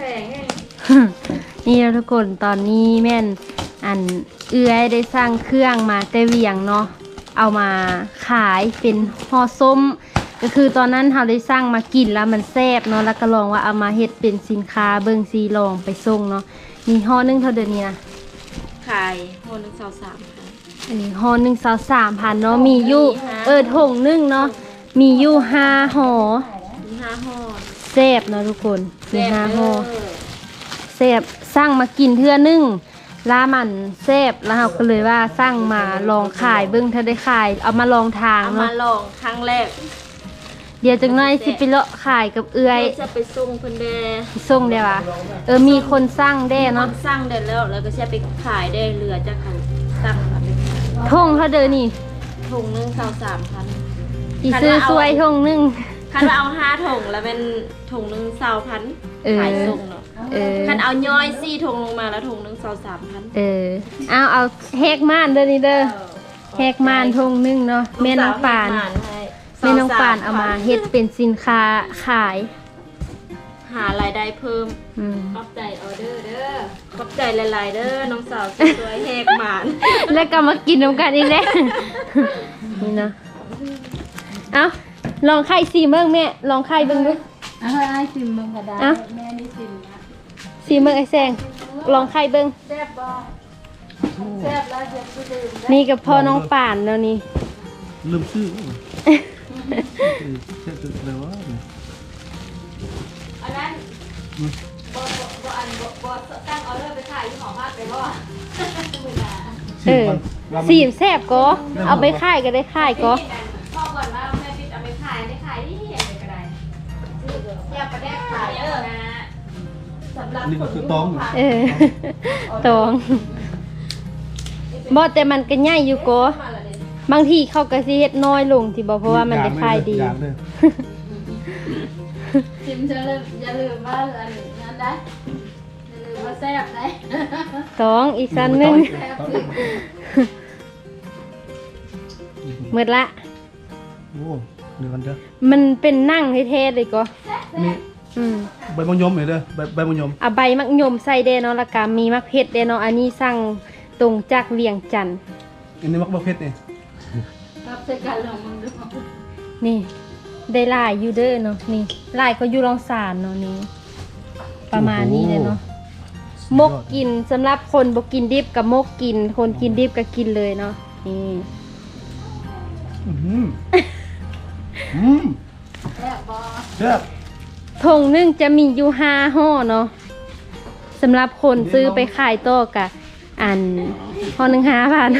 งให้นี่ทุกคนตอนนี้แม่นอันเอื้อยได้สร้างเครื่องมาแต่เวียงเนาะเอามาขายเป็นห่อส้มก็คือตอนนั้นเราได้สร้างมากินแล้วมันแซ่บเนาะแล้วก็ลองว่าเอามาเฮ็ดเป็นสินค้าเบิ่งซีลองไปส่งเนาะนี่ห่อนึงเท่าเดิมนี้นะขายห่อนึง23,000 อันนี้ห่อนึง23,000เนาะมีอยู่ถุงนึงเนาะมีอยู่5ห่อมี5ห่อแซ่บเนาะทุกคนมี5ห่อแซ่บสร้างมากินเทื่อนึงลามันแซ่บแล้วเราก็เลยว่าสร้างมาลองขายเบิ่งถ้าได้ขายเอามาลองทางเอามาเนาะลองครั้งแรกเดี๋ยวจังหน่อยสิไปเลาะขายกับเอื้อยจะไปส่งเพิ่นแดส่งได้ปะมีคนสร้างได้เนาะสร้างได้แล้วก็จะไปขายได้เหลือจากคันตั้งมาเป็นทงเท่าเดิมนี่ถุงนึง23,000 อีซื้อสวยทงนึงคันว่าเอา5ถุงแล้วเป็นถุงนึง20,000ขายส่งเนาะคันเอาย่อย4ถุงลงมาแล้วถุงนึง23,000 เอาแฮกม่านเด้อนี่เด้อแฮกม่านทงนึงเนาะแม่น้องปานแม่น้องปานเอามาเฮ็ดเป็นสินค้าขายหารายได้เพิ่มขอบใจออเดอร์เด้อขอบใจหลายๆเด้อน้องสาวสวยๆแหกหมานแล้วก็มากินน้ำกันอีกแล้ว นี่เนาะเอาลองไข่ซีเบิ้งแม่ลองไข่เบิ้งดูเอาให้ซิมมึงก็ได้แม่นี่ซิมนะซีเบิ้งไอ้แซงลองไข่เบิ้งแซ่บบ่แซ่บแล้วจะไปดื่มนี่กับพ่อน้องป่านแล้วนี่ลืมชื่อแค่จุดเลยวะอันนั้นบ่อันบ่ตั้งออเดอร์ไปขายที่หอภาคไปบ่ซีมแซ่บก็เอาไปค่ายก็ได้ค่ายก็พ่อก่อนว่าแม่ปิดเอาไปขายได้ขายที่เห็นเลยก็ได้แซ่บประแดกขายนะสำหรับนี่ก็คือต้องตองบ่แต่มันก็ใหญ่อยู่ก็บางทีเขาก็สิเฮ็ดน้อยลงที่บ่เพราะว่ามันได้ขายดีซิมจะอย่าลืมว่าอันนั้นได้อย่าลืมว่าแซ่บได้ตองอีกสันหนึงหมดละโอ้เดี๋ยวกันเด้อมันเป็นนั่งเท่ๆเลยก็นี่ใบมะยมเห็นเด้อใบมะยมเอาใบมักยมใส่เด้เนาะแล้วก็มีมักเพชรเด้เนาะอันนี้สั่งตรงจากเวียงจันทน์อันนี้มักบะเพ็ดนี่รับใช้การลองมึงดูนี่ได้หลายอยู่เด้อเนาะนี่หลายก็อยู่รองสารเนาะนี่ประมาณนี้เลยเนาะมกกินสำหรับคนบ่กินดิบกับมกกินคนกินดิบก็กินเลยเนาะนี่แซ่บบ่แซ่บถุงนึงจะมีอยู่5ห่อเนาะสำหรับคนซื้อไปขายต่อกะอันห่อหนึ่ง5,000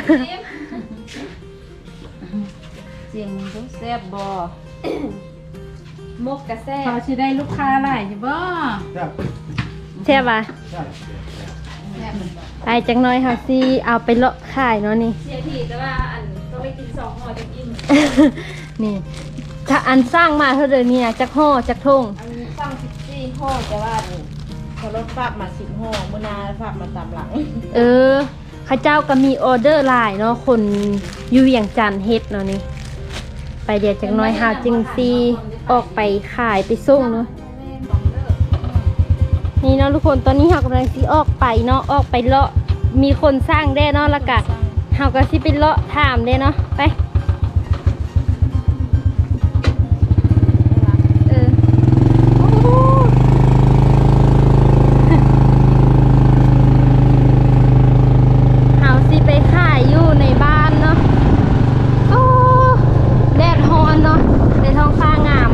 เสียงมึงดูแซ่บบ่มกกะแซ่บเขาสิได้ลูกค้าหลายอยู่บ่แซ่บใช่ป่ะแซ่บแซ่บมันบ่ไปจังน้อยค่ะสิเอาไปเลาะขายเนาะนี่เสียทีแต่ว่าอันต้องไปกิน2ห่อจะกินนี่ถ้าอันสร้างมาเท่าเดิมนี่นะจักห่อจักทงอันนี้สั่ง14ห่อแต่ว่าเขาลดฝากมา10ห่อมื้อหน้าฝากมาตามหลังข้าเจ้าก็มีออเดอร์หลายเนาะคนอยู่เวียงจันทน์เฮ็ดเนาะนี่ไปเดี๋ยวจังน้อยหาจึงซีออกไปขายไปส่งเนาะนี่เนาะทุกคนตอนนี้เรากำลังสิออกไปเนาะออกไปเลาะมีคนสร้างได้เนาะแล้วก็เราก็สิไปเลาะถามได้เนาะไปไปขายอยู่ในบ้านเนาะโอ้แดดร้อนเนาะในท้องฟ้างาม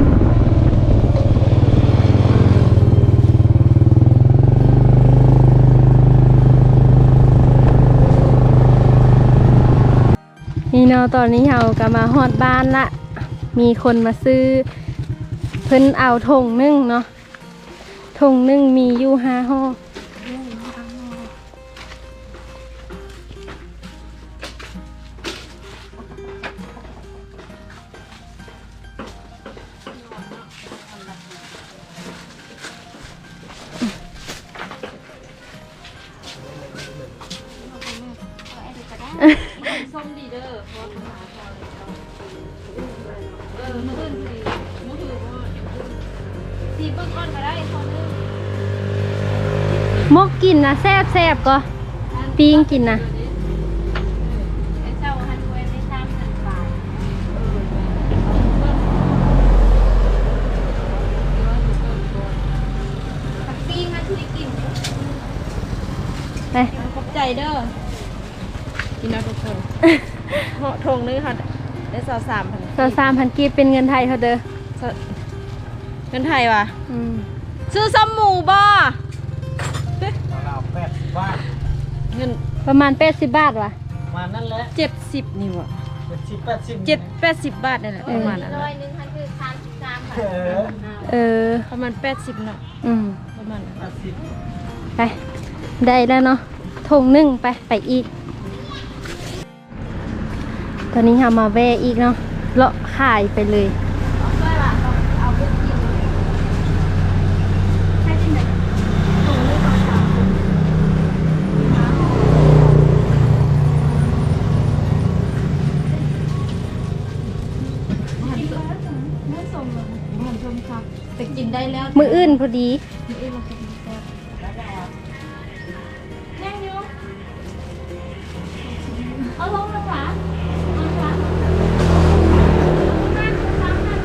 นี่เนาะตอนนี้เราก็มาฮอดบ้านละมีคนมาซื้อเพิ่นเอาถุงนึ่งเนาะถุงนึ่งมีอยู่5ห่อส้มดีเด้อเพราะว่าหาพอเลยมื้ออื่นสิมื้ออื่นว่าสีเบิ่งก่อนก็ได้พอนึงมกกินนะแซ่บก็ปิ้งกินนะไอ้เจ้าฮันเวได้3,000 บาทปีมาช่วยกินไปขอบใจเด้อกินเอาทุกคนเหาะทงนึงค่ะได้23,000 3,000กีบเป็นเงินไทยเท่าเด้อเงินไทยว่ะอืมซื้อซ้ำหมูบ่เรา80 บาทเงินประมาณ80 บาทว่ะมานั่นแหละ 70นี่ว่ะ 70 80 80 บาทนี่แหละประมาณนั้นร้อน่ะยหนึงคันคือ33 บาทเออประมาณ80เนาะอืมประมาณนั้น 80 ไป ได้แล้วเนาะถุงหนึ่งไปอีก ตอนนี้เรามาแวะอีกเนาะเลาะขายไปเลยแต่กินได้แล้วมืออื่นพอดียังอยู่เอาลงแล้วค่ะเอาค่ะนั่งซ้ำนั่ง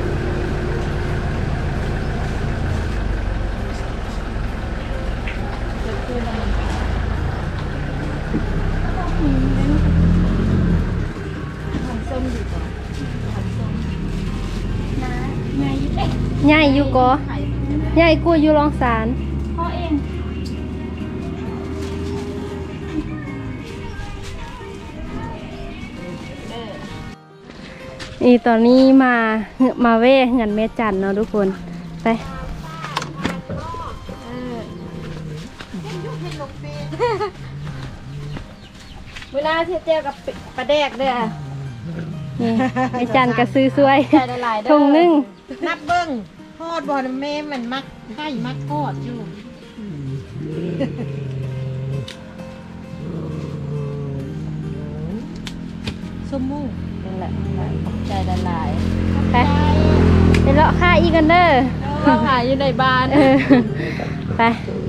ใหญ่อยู่ก็ใหญ่กว่าอยู่รองสารพ่อเองนี่ตอนนี้มาแวะเงินแม่จันเนาะทุกคนไปเวลาเทียบเจียวกับปลาแดกเด้อนี่แม่จันก็ซื้อสวยใจละลายเด้อถุงหนึงนับเบิ้งทอดบอลแม่มันมักไข่มักทอดอยู่สมมูนั่นแหละใจละลายไปไปเลาะค่าอีกกันเด้อเราขายอยู่ในบ้านเออไป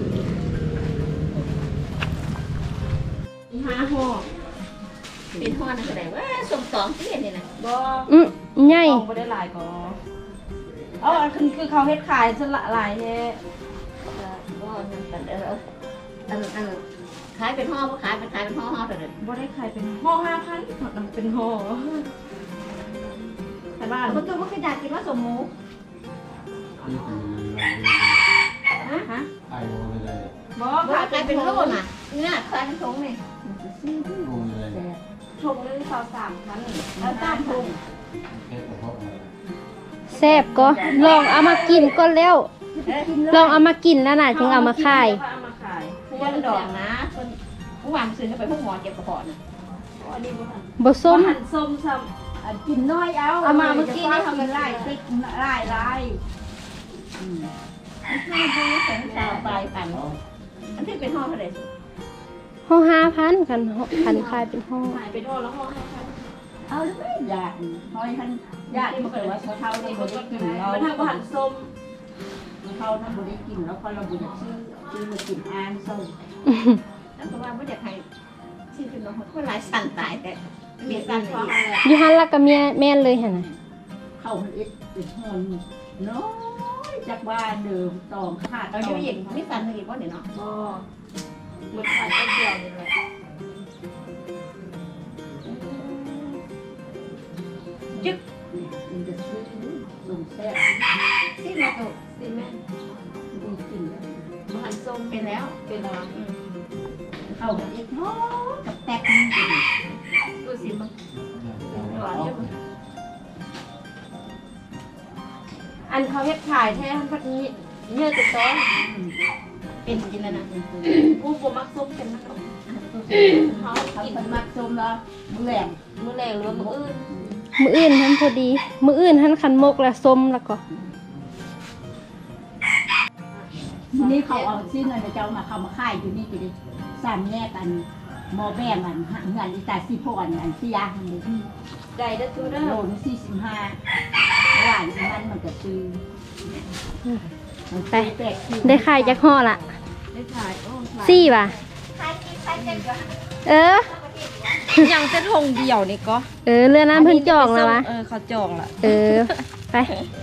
5 ห่อเป็นห่อนั่นแสดงว่าส่ง2ที่นี่นะบ่ใหญ่บ่ได้หลายก็เอาอันคือเขาเฮ็ดขายซะละหลายแท้บ่นั่นกันอันขายเป็นห่อบ่ขายเป็นห่อเด้อบ่ได้ขายเป็นห่อ 5,000มันเป็นห่อแต่บ้านมันก็บ่คืออยากกินว่าสมหมูฮะไอ้โง่เลยบ่บ่ขายขายเป็เป็น นโลโลน่ะน่ะเนี่ยขายเป็นถุงนี่โง่เลยถุงนึง23,000แล้วตามถุงแค่กระเพาะแซ่บก็ลองเอามากินก็แล้วลองเอามากินแล้วน่ะจึงเอามาขายเอามาขายพวงดอกนะคนผู้วางซื้อไปพวกหมอเก็บกระเพาะน่ะอันนี้บ่ทันบ่ส้มหั่นส้มซ้ำกินน้อยเอาเอามาเมื่อกี้นี่ทำเป็นไล่ติ๊กไล่ไล่ไม่ดูสงสารปลายปันอันที่เป็นห่อเท่าไหร่ห่อ5,000คันขายเป็นห่อขายเป็นห่อแล้วห่อเอาไม่อยากหอยท่านญาติมันเกิดว่าเท่าที่บริกินเรามันทำหั่นส้มเท่านั้นบริกินแล้วพอเราบุญซื้อมากินอ่านส้มแล้วก็ว่าไม่อยากให้ชื่อเป็นน้องคนหลายสั่นตายแต่มีสั่นเพราะอีกอะไรอยู่หันละกับแม่นเลยหั่นน่ะเข้ามันเอ็ดเป็นหอนน้อยจากบ้านเดิมตองขาดเราอยู่อีกมีสั่นอีกว่าเนี่ยเนาะก็หมดขายต้นเดียวนี่แหละจึ๊กมันจะซื้อส่งแซ่บที่เราตัวสิแม่บริกินหั่นส้มเป็นแล้วเป็นอะไรเข้ามันเอ็ดน้อยกับแตกมันกินดูสิมันอันเขาเฮ็ดขายแท้พัดนี้เนื้อติดต้นเป็นกินแล้วนะผู้บ่มักส้มเป็นนักเขาเขากินเป็นมักส้มแล้วแหลมมื้อแรงหรือว่ามื้ออื่นมื้ออื่นหั่นพอดี มื้ออื่นหั่นคันมกแล้วส้มแล้วก็ทีนี้เขาเอาชิ้นอะไรเจ้ามาเขามาค่ายอยู่นี่ก็ดิสามแยกกันหมอแบ่งกันเงินอีตาซีพอนอันที่ยาทันเลยได้เด้อทูเด้อโลนึง45หวานมันก็ซื้อไป ได้ขายจักห่อละได้ได้ขายโอ้ขายสี่ป่ะเออยังจะทงเดียวนี่ก็เรือนั้นเพิ่นจองแล้ววะเขาจองละไป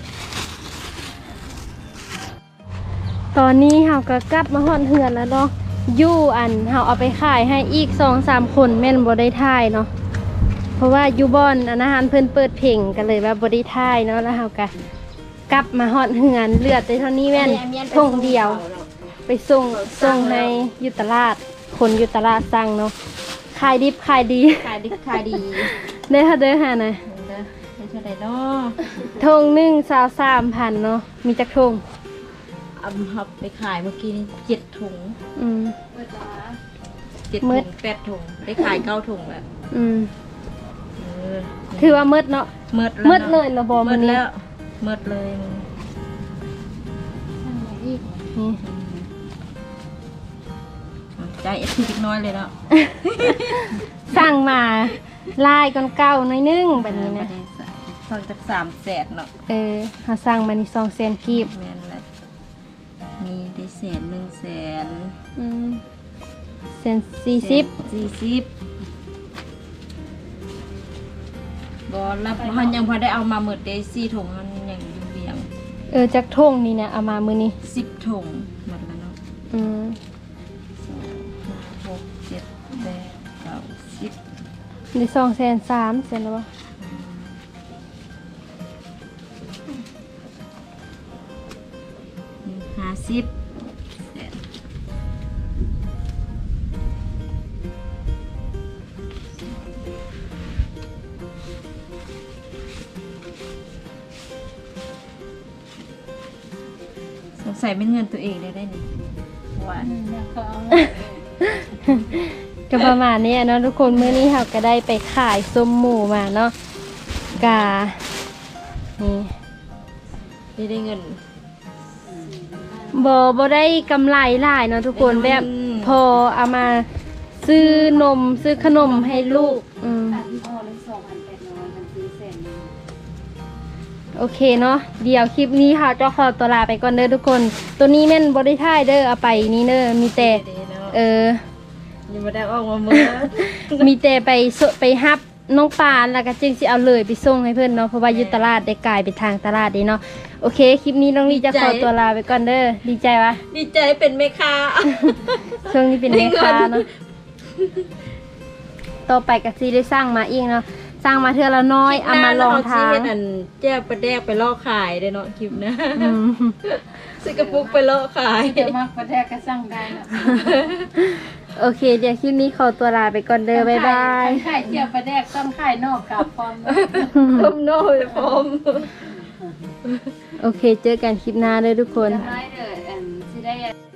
ตอนนี้เฮาก็กลับมาฮอดเฮือนแล้วเนาะอยู่อันเฮาเอาไปขายให้อีก 2-3 คนแม่นบ่ได้ถ่ายเนาะเพราะว่าอยู่บ่อนอาหารเพิ่นเปิดเพลงกันเลยว่าบ่ได้ถ่ายเนาะแล้วเฮาก็กลับมาฮอดเฮือนเหลือแต่เท่านี้แม่นทงเดียว ไปส่งให้อยู่ตลาดคนอยู่ตลาดสั่งเนาะขายดิบขายดีขายดิบขายดีได้เท่าเด้อหาน่ะได้เท่าไหร่เนาะทงหนึ่ง23,000เนาะมีจักทงเอาหับไปขายเมื่อกี้นี่7 ถุงอืม 7 มืถุดง8 ถุงได้ขาย9 ถุงแล้วอืมเออถือว่ามืดเนาะมืดมืแล้วดเลยระบอมืมันดนี้แล้วมืดเลยนี่ใจเอฟทีน้อยเลยเนาะสั่งมาลายก่อนเก่าหน่อยนึงแบบนี้นะทองจาก300,000เนาะหาสั่งมานี่200,000กีบแม่นแหละมีได้100,000 อืม140 40บ่รับมันยังพอได้เอามาหมดได้4 ถุงมันยังอยู่เบียงจักทงนี่นะเอามามื้อนี้ 10 ถุงหมดแล้วเนาะอืม 6 7 8 9 10 ได้203,000เสร็จแล้วบ่ 50สงสัยเป็นเงินตัวเองได้นี่หวานก็ประมาณนี้เนาะทุกคนมื้อนี้เราก็ได้ไปขายส้มหมูมาเนาะกานี่ได้เงินบ่ได้กำไรหลายเนาะทุกคนแบบพอเอามาซื้อนมซื้อขนมให้ลูกโอเคเนาะเดี๋ยวคลิปนี้ค่ะจะขอตัวลาไปก่อนเด้อทุกคนตัวนี้แม่นบ่ได้ถ่ายเด้อเอาไปนี่เด้อมีแต่ยังไม่ได้ออกมาเมื่อมีแต่ไปฮับน้องปานแล้วก็จึงสิเอาเลยไปส่งให้เพื่อนเนาะเพราะว่าอยู่ตลาดได้กลายไปทางตลาดเด้เนาะโอเคคลิปนี้น้องลี่จะขอตัวลาไปก่อนเด้อดีใจวะดีใจเป็นแม่ค้าช่วงนี้เป็นแม่ค้าเนาะต่อไปก็สิได้สร้างมาอีกเนาะสร้างมาเทื่อละน้อยเอามาลองทางอันแจ้ประแดกไปล่อขายได้เนาะคลิปนะซื้อกระปุกไปล่อขายจะมากประแทกก็สั่งได้นะโอเคเดี๋ยวคลิปนี้ขอตัวลาไปก่อนเด้อบ๊ายบายไข่เจียวประแดกต้องไข่นอกกับฟอมต้มโน่ยพร้อมโอเคเจอกันคลิปหน้าเด้อทุกคนได้เลยสิได้